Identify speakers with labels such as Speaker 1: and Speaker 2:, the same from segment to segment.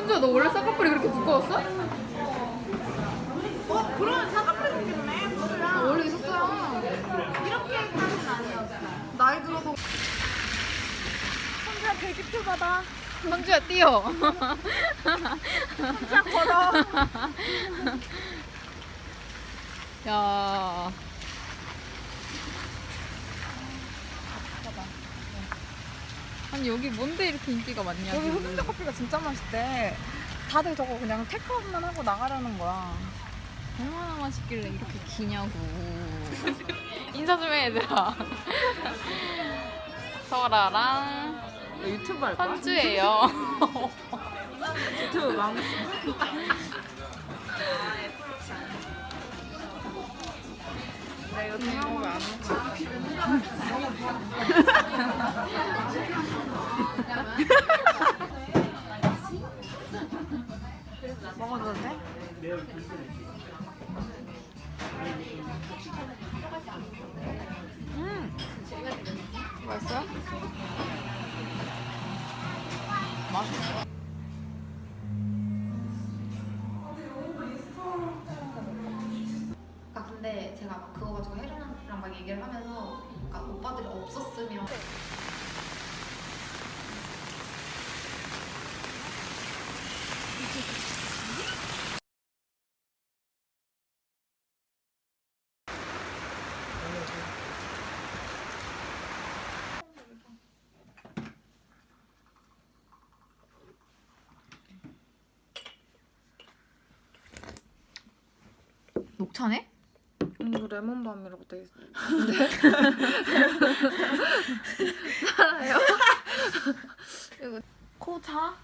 Speaker 1: 선주야, 너 원래 쌍꺼풀이 그렇게 두꺼웠어?
Speaker 2: 그러면 쌍꺼풀 생겼네.
Speaker 1: 원래 있었어요.
Speaker 2: 이렇게까지는 아니었어.
Speaker 1: 나이 들어서.
Speaker 2: 선주야 대기표 받아.
Speaker 1: 선주야, 뛰어.
Speaker 2: 선주야 걸어.
Speaker 1: 야. 아니, 여기 뭔데 이렇게 인기가 많냐?
Speaker 2: 여기 흑임자 커피가 진짜 맛있대. 다들 저거 그냥 테이크아웃만 하고 나가려는 거야.
Speaker 1: 얼마나 맛있길래 이렇게 기냐고. 인사 좀 해, 얘들아. 설아랑
Speaker 2: 유튜브 할 거야?
Speaker 1: 선주예요.
Speaker 2: 유튜브 망. 나 이거 동영상 안 먹어도 돼?
Speaker 1: 맛있어요? 맛있어.
Speaker 3: 근데 제가 막 그거 가지고 혜련이랑 막 얘기를 하면서 오빠들이 없었으면
Speaker 1: 녹차네?
Speaker 2: 이거 레몬밤이라고 돼 있어.
Speaker 1: 알아요?
Speaker 2: 코 자?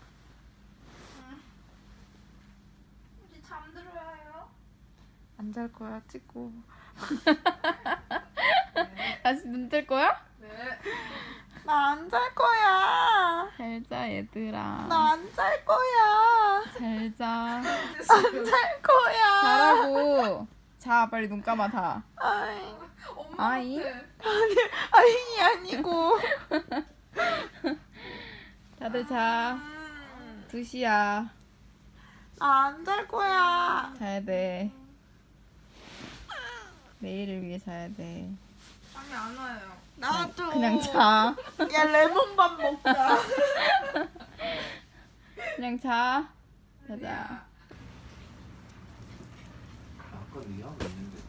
Speaker 2: 우리 잠들어요. 안 잘 거야 찍고.
Speaker 1: 다시 눈 뜰 거야?
Speaker 2: 나 안 잘 거야.
Speaker 1: 잘 자, 얘들아.
Speaker 2: 나 안 잘 거야.
Speaker 1: 잘 자.
Speaker 2: 안 잘 거야.
Speaker 1: 자라고. 자, 빨리 눈 감아, 다.
Speaker 2: 아이.
Speaker 1: 아이.
Speaker 2: 아이 아니고.
Speaker 1: 다들 자. 2시야.
Speaker 2: 나 안 잘 거야.
Speaker 1: 자야 돼. 내일을 위해 자야 돼.
Speaker 2: 잠이 안 와요. 나도.
Speaker 1: 그냥 자.
Speaker 2: 야 레몬밥 먹자.
Speaker 1: 그냥 자. 자자.
Speaker 4: 아까 네 하고 있는데